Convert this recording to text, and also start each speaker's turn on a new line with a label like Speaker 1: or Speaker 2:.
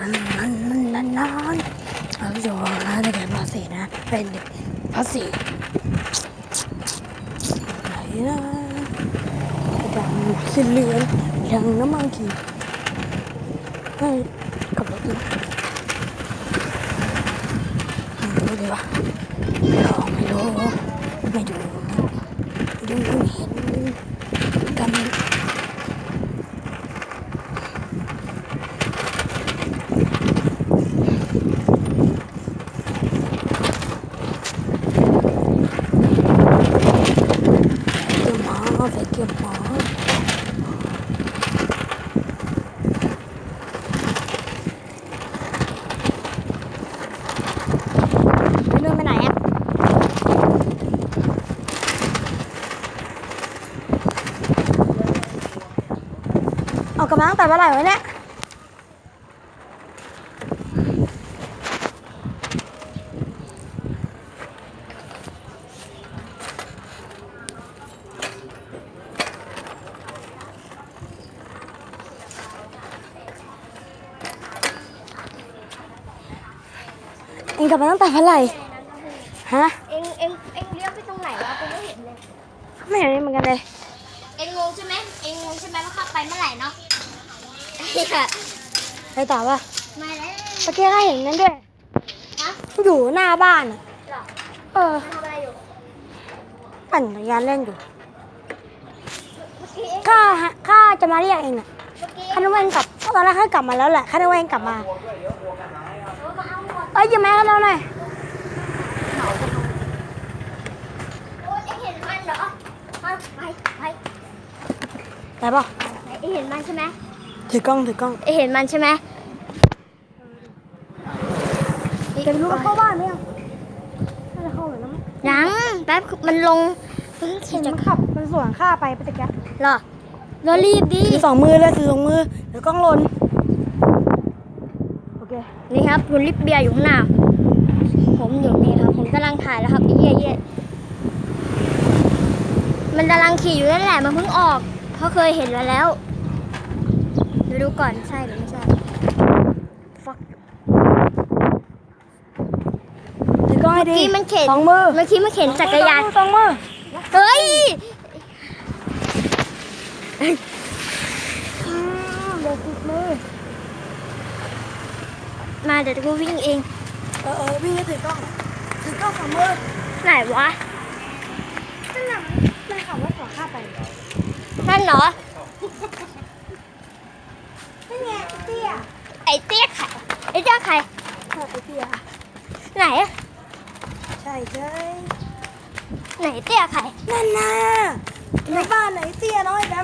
Speaker 1: เราอยู่นะในเด็กภาษีนะเป็นเด็กภาษีไหนนะดำสีเหลืองยังน้ำมันกี่ให้กับรถนะไม่รู้เลยวะไม่ดูไม่เห็นกันไปเก็บหมอพี่นุ่นไปไหนอ่ะออกกำลังแต่เมื่อไหร่วะเนี่ยเอ็งกลับมาตั้งแต่เมื่อไหร่ฮะ
Speaker 2: เอ็งเลี้ยวไปตรงไหนวะกูไม่เห็นเลย
Speaker 1: ไม่เห็นเหมือนกันเลย
Speaker 2: เอ็งงงใช่ไหมว่าเข้าไปเมื่อไหร่เนาะ
Speaker 1: ไปต่อป่ะ
Speaker 2: มาแล้ว
Speaker 1: เมื่อกี้ก็เห็นนั่นด้วย
Speaker 2: ฮะ
Speaker 1: อยู่หน้าบ้านอ่ะ
Speaker 2: หรอทำอะไรอยู่
Speaker 1: ปั่นจักรยานเล่นอยู่
Speaker 2: เมื่อกี้
Speaker 1: ข้าจะมาเรียกเองน่ะข้านึกว่าเองกลับตอนแรกข้ากลับมาแล้วแหละข้านึกว่าเองกลับมาหยิบแม่กันแล้วหน่อย
Speaker 2: โอ้ยเอ็งเห็นมันเหรอไป
Speaker 1: ป่ะ
Speaker 2: เอ็งเห็นมันใช่ไหม
Speaker 1: ถือกล้อง
Speaker 2: เอ็งเห็นมันใช่ไหม
Speaker 1: จะรู้เข้าบ้านไหมยังน่าจะเข้าเลยนะ
Speaker 2: ยังแป๊บมันลง
Speaker 1: เห็นมันขับมันสวนข้าไปตะกี้
Speaker 2: หรอเรารีบดิ
Speaker 1: ถือ2 มือเลยถือ2 มือเดี๋ยวกล้องหล่นโอเค
Speaker 2: นี่ครับคุณลิปเบียร์อยู่ข้างหน้าผมอยู่นี่ครับผมกำลังถ่ายแล้วครับเย่มันกำลังขี่อยู่นั่นแหละมันเพิ่งออกเขาเคยเห็นแล้วเดี๋ยวดูก่อนใช่หรือไม่ใช่
Speaker 1: ถือกล้องให้ดี
Speaker 2: เมื่อกี้มันเข็น
Speaker 1: 2 มือ
Speaker 2: เมื่อกี้มันเข็นจักรยาน
Speaker 1: 2 มือ
Speaker 2: เฮ้ย
Speaker 1: เดี๋ยวติดมือ
Speaker 2: มาเดี๋ยวกูวิ่งเอง
Speaker 1: วิ่งให้ถือกล้อง2 มือ
Speaker 2: ไหนวะ
Speaker 1: นั่นน่ะมันขับรถสวนข้าไป
Speaker 2: นั่นเหรอ
Speaker 1: นั่นไงเตี้ย
Speaker 2: ไอ้เตี้ยใครไอ้เจ้าใคร
Speaker 1: ไอ้เตี้ย
Speaker 2: ไหนอะ
Speaker 1: ใช่
Speaker 2: ไหนเตี้ยใคร
Speaker 1: นั่นน่ะในบ้านไหนเตี้ยน้อยแบ